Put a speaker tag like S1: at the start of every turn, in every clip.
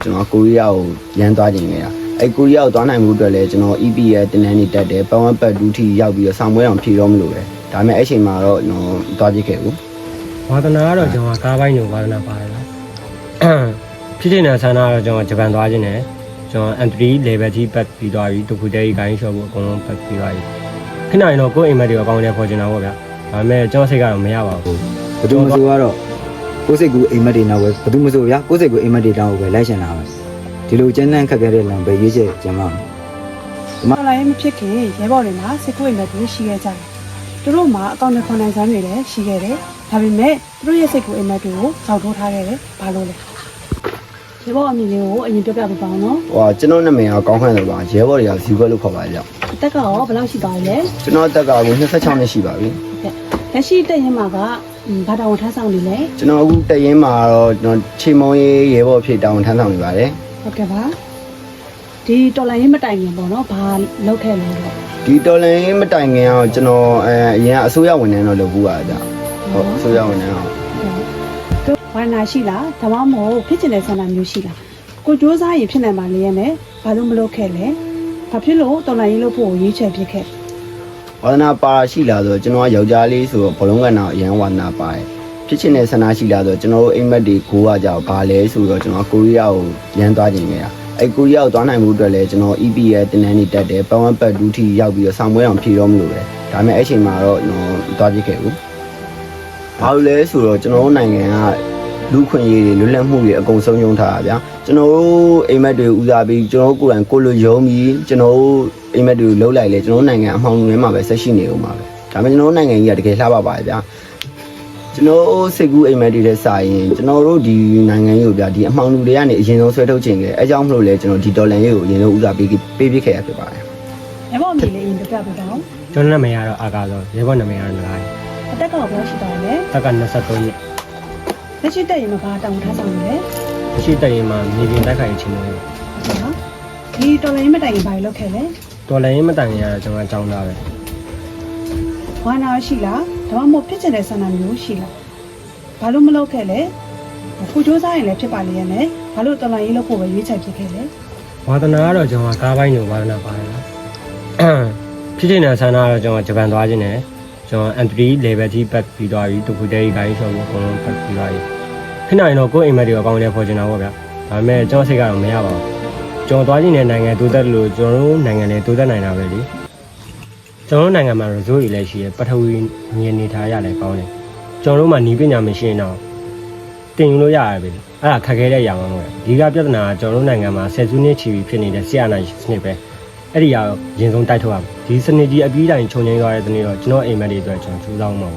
S1: ကျွန်တော်ကိုရီးယားကိုရန်သွားခြင်းခဲ့တာအဲ့ကိုရီးယားကိုသွားနိုင်မှုအတွက်လည်းကျွန်တော် EP ရဲ့တင်နန်းနေတက်တယ်ပတ်ဝန်းပတ်ဒူးထီရောက်ပြီးတော့ဆောင်ပွဲအောင်ဖြေတော့မလို့ပဲဒါပေမဲ့အဲ့ချိန်မှာတော့ကျွန်တော်သွားကြည့်ခဲ့ဘူး
S2: ဝါသနာကတော့ကျွန်တော်ကားပိုင်းကိုဝါသနာပါတယ်နော်ဖြစ်နေတဲ့ဆန္ဒကတော့ကျွန်တော်ဂျပန်သွားခြင်းနဲ့ကျွန်တော် M3 level ကြီးပတ်ပြီးသွားပြီတူဖူတဲကြီးဂိုင်းရှော့ဖို့အကုန်လုံးပတ်ပြီးသွားပြီခဏရင်တော့ကိုယ့်အိမ်မက်တွေအကောင်းနဲ့ပေါ်ချင်တာပေါ့ဗျာဒါပေမဲ့ကျွန်တော်စိတ်ကတော့မရပါဘူး
S3: ဘယ်သူမှဆိုကတော့ကိုယ်စိတ်ကူအိမ်မက်တွေနောက်ပဲဘယ်သူမှဆိုဗျာကိုယ်စိတ်ကူအိမ်မက်တွေတောင်းပဲလိုက်ရှင်တာပဲဒီလိုကျန်းတန်းခက်ခဲတဲ့လမ်းပဲရွေးချက်ကျမ်းပါ
S4: မလာရင်မဖြစ်ခင်ရဲဘော်တွေမှာစစ်ကွေးလက်တွေရှိခဲ့ကြတယ်သူတို့မှာအကောင့်နဲ့ခွန်နိုင်စမ်းတွေလည်းရှိခဲ့တယ်ဒါပေမဲ့သူတို့ရဲ့စိတ်ကိုအိမ်မက်တွေကိုစောက်ထိုးထားခဲ့တယ်ဘာလို့လဲရဲဘော်အမည်လေးကိုအရင်ပြောပြပေးပါဦးနော်
S1: ဟိုကျွန်တော်နာမည်ကကောင်းခန့်တယ်ပါရဲဘော်တွေကဇီဝလို့ခေါ်ပါကြ
S4: အသက်ကရောဘယ်လောက်ရှိသွားလဲ
S1: ကျွန်တော်အသက်က26နှစ်ရှိပါပြီ
S4: ဟုတ်ကဲ့လက်ရှိတက်ရင်မှာကဘာတောင်ထမ်းဆောင်နေလဲ
S1: ကျွန်တော်အခုတက်ရင်မှာတော့ကျွန်တော်ချေမုံရေးရဲဘော်ဖြစ်တောင်းထမ်းဆောင်နေပါတယ်
S4: ဟုတ်ကဲ့ပါဒီတော်လိုင်းရေးမတိုင်ခင်ပေါ့နော်ဘာလုပ်ခဲ့လဲတော့
S1: ဒီတော်လိုင်းရေးမတိုင်ခင်အောင်ကျွန်တော်အရင်အစိုးရဝန်ထမ်းတော့လုပ်ဘူးပါကြဟုတ်အစိုးရဝန်ထမ်းအောင်
S4: တို့ဘာနာရှိလားဒါမှမဟုတ်ဖြစ်ချင်တဲ့ဆန္ဒမျိုးရှိလားကိုစူးစမ်းရင်ဖြစ်နိုင်ပါလေရဲ့နဲ့ဘာလို့မလုပ်ခဲ့လဲဘာဖြစ်လို့တော်လိုင်းရေးလုပ်ဖို့ရွေးချယ်ဖြစ်ခဲ့
S1: ဝါသနာပါရှိလာဆိုကျွန်တော်ကယောက်ျားလေးဆိုတော့ဘလုံးကတော့အရန်ဝါသနာပါတယ်ဖြစ်ချင်တဲ့ဆန္ဒရှိလာဆိုကျွန်တော်တို့အိမ်မက်တွေကိုကကြောက်ဘာလဲဆိုတော့ကျွန်တော်ကိုရီးယားကိုရန်သွားခြင်းခဲ့တာအဲ့ကိုရီးယားကိုသွားနိုင်မှုအတွက်လည်းကျွန်တော် EP ရဲ့တင်နန်းနေတက်တယ်ပတ်ဝန်းပတ်ဒူးထီရောက်ပြီးတော့ဆောင်ပွဲအောင်ဖြေတော့မလို့ပဲဒါပေမဲ့အဲ့ချိန်မှာတော့ကျွန်တော်သွားကြည့်ခဲ့ဘူးဘာလို့လဲဆိုတော့ကျွန်တော်တို့နိုင်ငံကလူခွင့်ရေးတွေလွတ်လပ်မှုတွေအကုန်ဆုံးယုံထားတာဗျာကျွန်တော်တို့အိမ်မက်တွေဦးစားပြီးကျွန်တော်တို့ကိုယ်တိုင်ကိုလိုယုံပြီးကျွန်တော်တို့အိမ်မက်တွေလှုပ်လိုက်လေကျွန်တော်တို့နိုင်ငံအမှောင်တွေမှာပဲဆက်ရှိနေဦးမှာပဲဒါပေမဲ့ကျွန်တော်တို့နိုင်ငံကြီးကတကယ်လှပပါတယ်ဗျာကျွန်တော်စိတ်ကူးအိမ်မက်တွေနဲ့စာရင်ကျွန်တော်တို့ဒီနိုင်ငံကြီးကိုဗျာဒီအမှောင်လူတွေကနေအရင်ဆုံးဆွဲထုတ်ခြင်းခဲ့အဲကြောင့်မလို့လဲကျွန်တော်ဒီဒေါ်လာရေးကိုအရင်ဆုံးဦးစားပေးခဲ့ရဖြစ်ပါတယ်
S4: ရဲဘော်အမည်လေးပြပြပေးပါဦး
S2: ကျွန်တော်နာမည်ကတော့အာကာဆိုရဲဘော်နာမည်ကတော့နလာ
S4: အသက်ကဘယ်လောက်ရှိသွားလဲ
S2: တက်က23နှစ်
S4: လက်ရှိတက်ရင်ဘာတောင်းထားဆောင်လဲ
S2: လက်ရှိတက်ရင်မှာမြေပြင်တိုက်ခိုက်ခြင်းလို့
S4: ဟုတ်ဒီတော်လိုင်းမတိုင်ရင်ဘာလုပ်ခဲ့လဲ
S2: တော်လိုင်းမတိုင်ရင်ကတော့ကျွန်တော်အကြောင်းသားပဲ
S4: ဝါနာရှိလားဒါမှမဟုတ်ဖြစ်ချင်တဲ့ဆန္ဒမျိုးရှိလားဘာလို့မလုပ်ခဲ့လဲခုစူးစမ်းရင်လည်းဖြစ်ပါလေရဲ့နဲ့ဘာလို့တော်လိုင်းရေးလုပ်ဖို့ပဲရွေးချယ်ဖြစ်ခဲ့လဲ
S2: ဝါသနာကတော့ကျွန်တော်ကားပိုင်းကိုဝါသနာပါတယ်နော်ဖြစ်နေတဲ့ဆန္ဒကတော့ကျွန်တော်ဂျပန်သွားခြင်းနဲ့ကျွန်တော် M3 level ကြီးပတ်ပြီးသွားပြီတူဖူတဲကြီးဂိုင်းရှော့ဖို့အကုန်လုံးပတ်ပြီးသွားပြီခဏရင်တော့ကိုယ့်အိမ်မက်တွေအကောင်းနဲ့ပေါ်ချင်တာပေါ့ဗျာဒါပေမဲ့ကျွန်တော်စိတ်ကတော့မရပါဘူးကျွန်တော်သွားခြင်းတဲ့နိုင်ငံတိုးတက်လို့ကျွန်တော်တို့နိုင်ငံတွေတိုးတက်နိုင်တာပဲလေကျွန်တော်တို့နိုင်ငံမှာ resort တွေလည်းရှိရပထဝီမြေနေထားရလည်းကောင်းတယ်ကျွန်တော်တို့မှာနီးပညာမရှိရင်တော့တင်ယူလို့ရရပဲလေအဲ့ဒါခက်ခဲတဲ့ຢာမှမဟုတ်ဘူးဒီကပြဿနာကကျွန်တော်တို့နိုင်ငံမှာဆယ်စုနှစ်ချီပြီးဖြစ်နေတဲ့ဆရာနာစနစ်ပဲအဲ့ဒီကတော့ရင်ဆုံးတိုက်ထုတ်ရမယ်ဒီစနစ်ကြီးအပြီးတိုင်းခြုံငိမ့်သွားတဲ့စနစ်တော့ကျွန်တော်အိမ်မက်တွေအတွက်ကျွန်တော်စူးစမ်းမှာပါ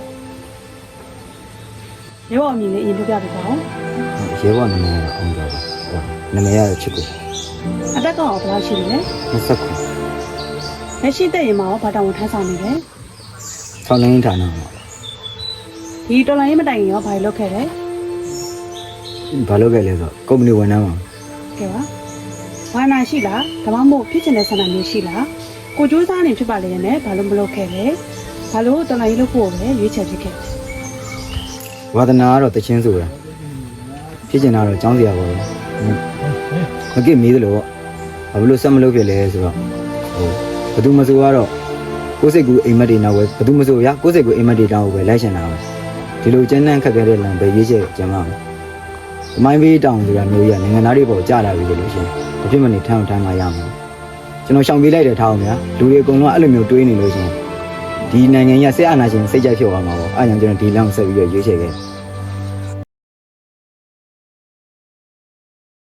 S4: ရဲဘော်အမည်လေးအရင်ပြပြပေးပါဦး
S3: ရဲဘော်နာမည်ကအောင်တော်ပါနာမည်ကတော့ချစ်ကို
S4: အသက်ကတော့ဘယ်လောက်ရှိလဲ
S3: 29
S4: လက်ရှိတက်ရင်မှာဘာတောင်းထမ်းဆောင်နေလဲ
S3: ဆောင်းလင်းဌာနမှာ
S4: ဒီတော်လိုင်းမတိုင်ရင်ရောဘာလုပ်ခဲ့လဲ
S3: ဘာလုပ်ခဲ့လဲဆိုတော့ကုမ္ပဏီဝန်ထမ်းပါ
S4: ကဲပါဝါနာရှိလားဒါမှမဟုတ်ဖြစ်ချင်တဲ့ဆန္ဒမျိုးရှိလားကိုစူးစမ်းနေဖြစ်ပါလေနဲ့ဘာလို့မလုပ်ခဲ့လဲဘာလို့တော်လိုင်းလုပ်ဖို့ပဲရွေးချယ်ဖြစ်ခဲ့
S3: ဝါသနာကတော့တချင်းဆိုတာဖြစ်ချင်တာတော့ចောင်းစရာပါပဲမကိမေးသလိုပေါ့ဘာလို့ဆက်မလုပ်ဖြစ်လဲဆိုတော့ဟိုဘယ်သူမှဆိုကတော့ကိုယ်စိတ်ကူအိမ်မက်တွေနောက်ပဲဘယ်သူမှဆိုဗျာကိုယ်စိတ်ကူအိမ်မက်တွေတောင်းပဲလိုက်ရှင်တာပဲဒီလိုကျန်းတန်းခက်ခဲတဲ့လမ်းပဲရွေးချက်ကျမ်းပါမယ်အမိုင်းဘေးတောင်ဆိုတာမျိုးကြီးကနိုင်ငံသားတွေပေါ်ကြာလာပြီလို့ရှင်အဖြစ်မနေထမ်းမှရမှာကျွန်တော်ရှောင်ပေးလိုက်တဲ့ထားအောင်ဗျာလူတွေအကုန်လုံးအဲ့လိုမျိုးတွေးနေလို့ရှင်ဒီနိုင်ငံကြီးကဆက်အာဏာရှင်စိတ်ကြိုက်ဖြစ်သွားမှာပေါ့အဲ့ကြောင့်ကျွန်တော်ဒီလမ်းကိုဆက်ပြီးရွေးချယ်ခဲ့